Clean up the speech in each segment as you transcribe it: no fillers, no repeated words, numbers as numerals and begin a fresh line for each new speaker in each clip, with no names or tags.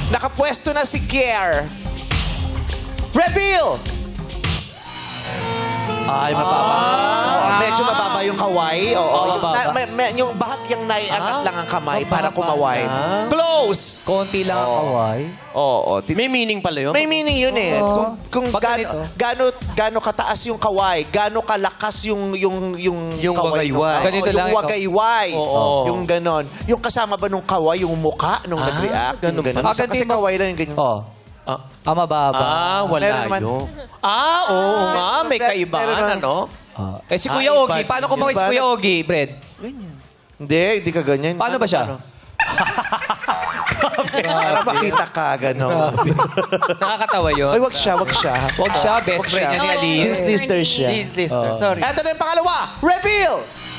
Nakapwesto na si Kier. Reveal! Ay, mababa. Medyo mababa yung kaway. Oo.
Mababa.
Yung bahagyang naiangat lang ang kamay para kumaway. Close!
Konti lang ang kaway.
Oo.
May meaning pala yun?
May meaning yun eh. Kung
Pag ganito.
gaano kataas yung kaway, gaano kalakas yung kaway.
wagayway.
Ganito lang
yung
ito.
wagayway.
Oo.
Yung ganon. Yung kasama ba nung kaway, yung muka nung nag-react.
ganun
Yung ganon.
pa.
Kasi kaway lang yung ganyan.
Oh. Mababa.
Wala
Meron naman.
yun. Oo nga, may
Meron
kaibahan,
naman.
ano?
Si Kuya
Ah,
Ogie,
iba-
paano kumaway si
iba-
Kuya Ogie, Brad?
Hindi ka ganyan.
Paano ba siya?
Para makita ka, ganon.
Nakakatawa yun.
Ay, wag siya.
Huwag siya, best friend niya ni Ali.
His sister siya.
This listener, sorry.
Eto na yung pangalawa. Reveal!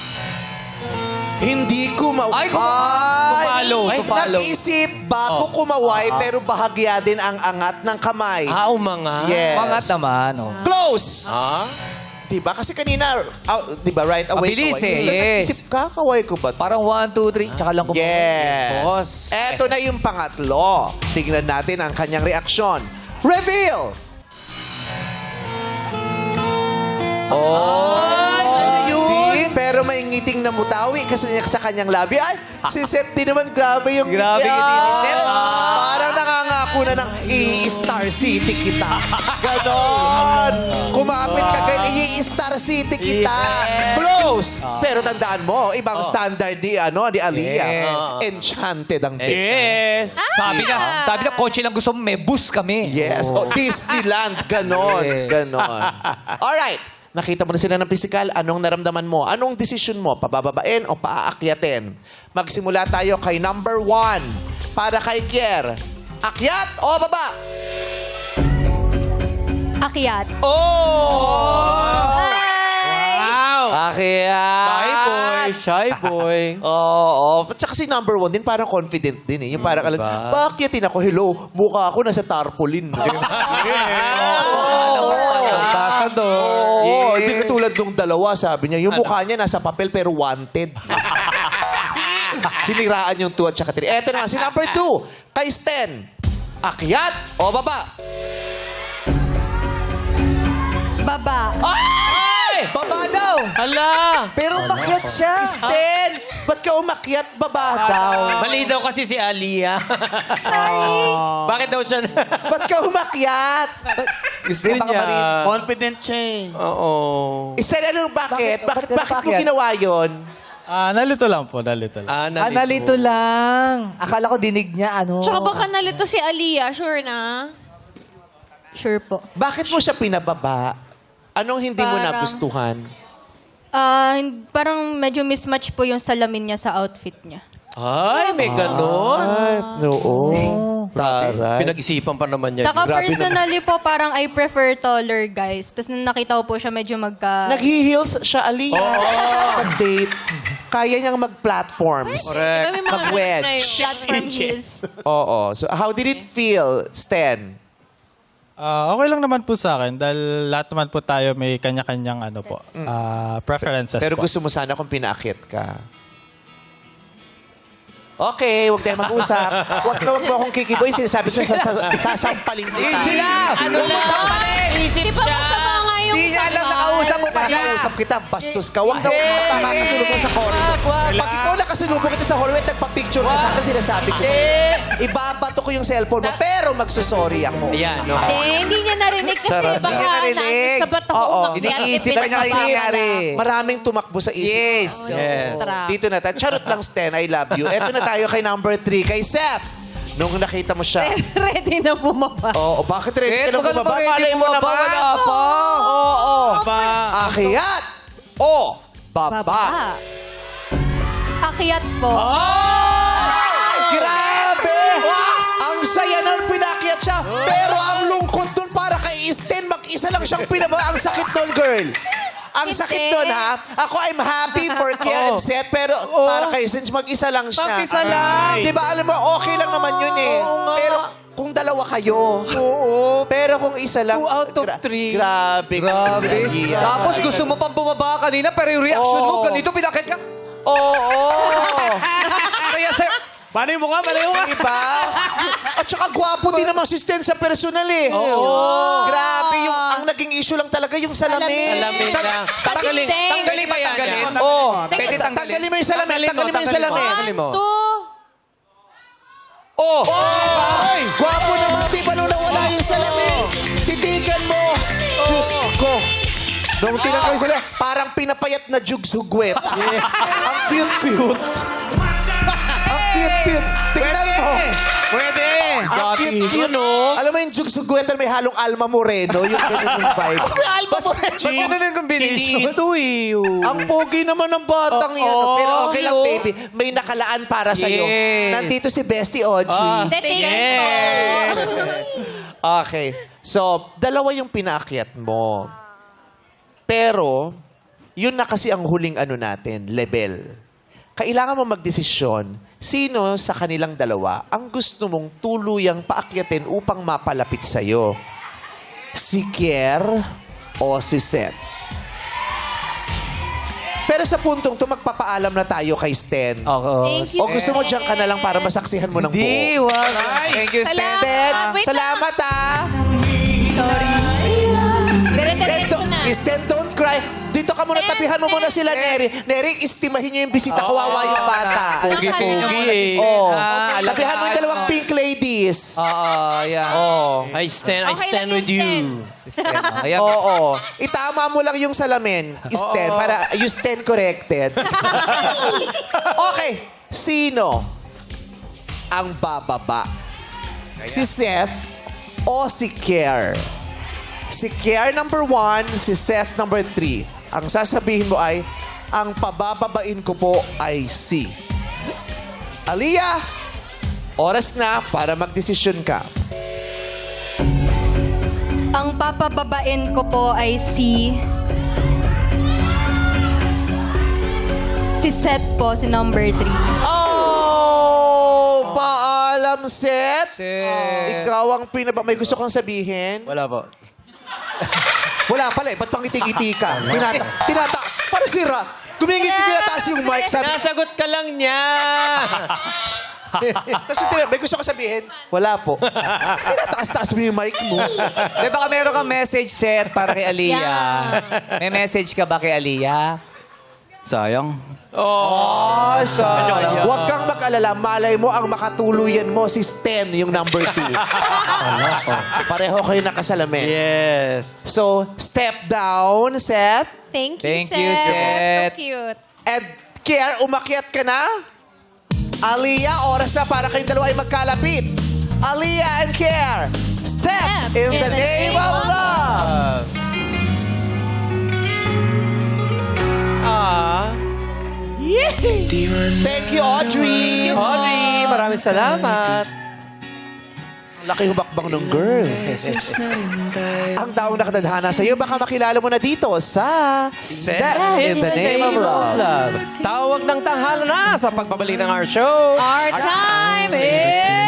Hindi kumaway.
Ay, kumalo.
Ay,
Nag-isip bago kumaway pero bahagya din ang angat ng kamay.
Umangat.
Yes.
Mangat naman. Oh.
Close! Diba? Kasi kanina, diba, right away
Mabilis
kaway.
eh,
Yung
yes.
Nag-isip ka, kaway ko ba?
Parang 1, 2, 3, tsaka lang kumaway.
Yes. Eto na yung pangatlo. Tingnan natin ang kanyang reaksyon. Reveal! Pero may ngiting na mutawi kasi niya sa kanyang labi. Ay, si Seth din naman, grabe yung
Grabe
ngiti.
yung ngiti ni Seth.
Parang nangangako na ng i-Star City kita. Ganon. Kumapit ka kayo, i-Star City kita. Close. Pero tandaan mo, ibang standard di Aliyah.
Yes.
Enchanted ang bit.
Yes.
Sabi na, kotse lang gusto mo, may bus kami.
Yes. Oh, Disneyland. Ganon.
Yes.
Ganon. Alright. Nakita mo na sila ng physical. Anong naramdaman mo? Anong decision mo? Pabababain o paaakyatin? Magsimula tayo kay number 1. Para kay Kier. Akyat o baba?
Akyat.
Oh! Akyat!
Shy boy, shy boy.
Oo. At saka si number 1 din, parang confident din eh. Yung parang alam, paakyatin ako, hello, mukha ako nasa tarpaulin.
Tasa doon.
Oo, hindi katulad nung dalawa, sabi niya. Yung mukha niya nasa papel pero wanted. Siniraan yung 2 at saka 3. Eto naman, si number 2, kay Sten. Akyat o baba?
Baba.
Baba daw.
Hala!
Pero makyat siya.
Sten, ba't ka umakyat baba daw?
Mali daw kasi si Aliyah.
Sorry.
Bakit daw siya
Ba't ka umakyat?
Gusto niya.
Confident siya eh.
Oo.
Sten, ano, bakit? Bakit mo
umakyat?
ginawa yun?
Nalito lang po, nalito lang.
Nalito lang. Akala ko dinig niya, ano.
Tsaka baka nalito si Aliyah, sure na?
Sure po.
Bakit mo siya pinababa? Anong hindi mo
Parang-
nagustuhan?
Parang medyo mismatch po yung salamin niya sa outfit niya.
Ay, may ganon.
Ay, oo. Taray.
Pinag-isipan pa naman niya.
Saka
Grabe
personally po, parang I prefer taller guys. Tapos nung nakita ko po siya, medyo
Nag-heels siya, Aliyah. Pag-date. Kaya niyang mag-platforms.
Diba may mga
Mag-wedge.
na yun?
platform heels.
Oo. So, how did it feel, Sten?
Okay lang naman po sa akin dahil lahat naman po tayo may kanya-kanyang preferences
Pero
po.
gusto mo sana kung pinaakit ka. Okay, huwag tayong mag-usap. Huwag mo akong kikiboy. Sinasabi ko, sasampalin kita.
Ano lang? Isip
Di ba masama nga yung
Di niya alam nakausap mo pa siya.
Nakausap kita, bastos ka. Huwag na makakasulubong sa corridor. Pag ikaw nakasulubong kita sa hallway, nagpa-picture ka sa akin, sinasabi ko sa'yo. Ibabato ko yung cellphone mo, pero magsusorry ako.
Ayan, no?
hindi niya narinig kasi
Charot.
baka
Hindi niya narinig.
nandun sa bato ko
Oo.
umakyat.
Iniisip pa niya
Kasi
nangyari.
maraming tumakbo sa isip.
Yes.
Yes.
Dito na tayo. Charot lang, Sten. I love you. Eto na tayo kay number 3, kay Seth. Nung nakita mo siya.
Ready na bumaba.
Oo, bakit ready ka na
Huwag ka
bumaba?
naman ready
Malay mo
bumaba,
naman.
wala pa.
Oo. Akyat o baba?
Akyat po.
Grabe! Ang saya nun, pinakyat siya. Pero ang lungkot dun para kay Sten, mag-isa lang siyang pinababa. Ang sakit nun, girl. Ang sakit nun, ha? Ako, I'm happy for Kier and Seth, pero para kay Sten, mag-isa lang siya.
Mag-isa lang.
Di ba, alam mo, okay lang naman yun eh. Pero kung dalawa kayo. Oo. Pero kung isa lang.
2 out of 3.
Grabe.
Grabe.
Aliyah.
Tapos gusto mo pang bumaba kanina, pero yung reaction mo, ganito, pinakit ka.
Oo.
Kaya sir,
Paano yung mukha? Paano yung mukha?
Diba? At At saka gwapo din naman si Sten sa personal eh. Grabe, ang naging issue lang talaga yung salamin.
Alamin na.
Tanggalin.
Tanggalin ba yan?
Oh,
Pwede
tanggalin mo yung salamin. Tanggalin mo yung salamin.
Tanggalin mo.
1, 2.
Oh! Diba? Gwapo naman, di ba nung nawala yung salamin? Titigan mo. Diyos ko. Nung tinanggal yung salamin, parang pinapayat na jugsugwet. Ang cute-cute. Ang cute-cute. Tingnan mo.
Pwede.
Ang cute-cute. Alam mo yung jugsugwet na may halong Alma Moreno? Yung ganun yung vibe. Alma Moreno.
Ba't yun na yung combination?
Ang pogi naman ng batang yan. Pero okay lang, baby. May nakalaan para sa'yo.
Yes.
Nandito si Bestie Audrey.
Yes.
Okay. So, dalawa yung pinaakyat mo. Pero, yun na kasi ang huling ano natin, level. Kailangan mo magdesisyon, sino sa kanilang dalawa ang gusto mong tuluyang paakyatin upang mapalapit sa'yo? Si Kier o si Seth? Pero sa puntong to, magpapaalam na tayo kay Sten.
Thank you.
O gusto mo dyan ka na lang para masaksihan mo ng
Di,
buo?
wag. Thank you, Stan.
Sten,
Wait
salamat ah!
Sorry. Dire-diretso na.
Sten, don't cry. Dito ka muna, tapihan mo muna sila, Neri. Neri, istimahin niyo yung bisita. Kawawa yung bata.
Pogi-pogi eh.
Oh.
alam
Tapihan mo yung dalawang pink ladies.
yeah.
Oh.
I stand
Okay lang
with
yung
you.
Sten.
Ayan.
Oo. Itama mo lang yung salamin, Sten, para you stand corrected. Okay. Sino ang bababa? Si Seth o si Kier? Si Kier number 1, si Seth number 3. Ang sasabihin mo ay, ang pabababain ko po ay si Aliyah. Oras na para magdesisyon ka.
Ang papababain ko po ay si Seth po, si number 3.
Oh! Paalam, Seth.
Seth.
Ikaw ang May gusto kong sabihin?
Wala po.
Wala pala eh. Ba't pang ngiti-ngiti ka? Tinata. Para sira. Gumingiti, tinataas yung mic. Sabi,
Nasagot ka lang niya.
tapos may gusto ko sabihin? Wala po. Tinataas-taas mo yung mic mo.
Di baka meron kang message set para kay Aliyah. May message ka ba kay Aliyah?
Sayang.
Oh, sayang.
Huwag kang mag-alala. Malay mo ang makatuluyan mo si Sten, yung number 2. Pareho kayo nakasalamin.
Yes.
So, step down, Seth.
Thank you,
Thank you, Seth.
So cute.
And Kier, umakyat ka na? Aliyah, oras na para kayong dalawa ay magkalapit. Aliyah and Kier, step in the name of love. Thank you, Audrey.
Audrey, maraming salamat.
Laki hubakbang ng girl. Ang taong nakatadhana sa iyo, baka makilala mo na dito sa Step in the Name of Love.
Tawag ng tanghala na sa pagbabalik ng our show.
Our time is...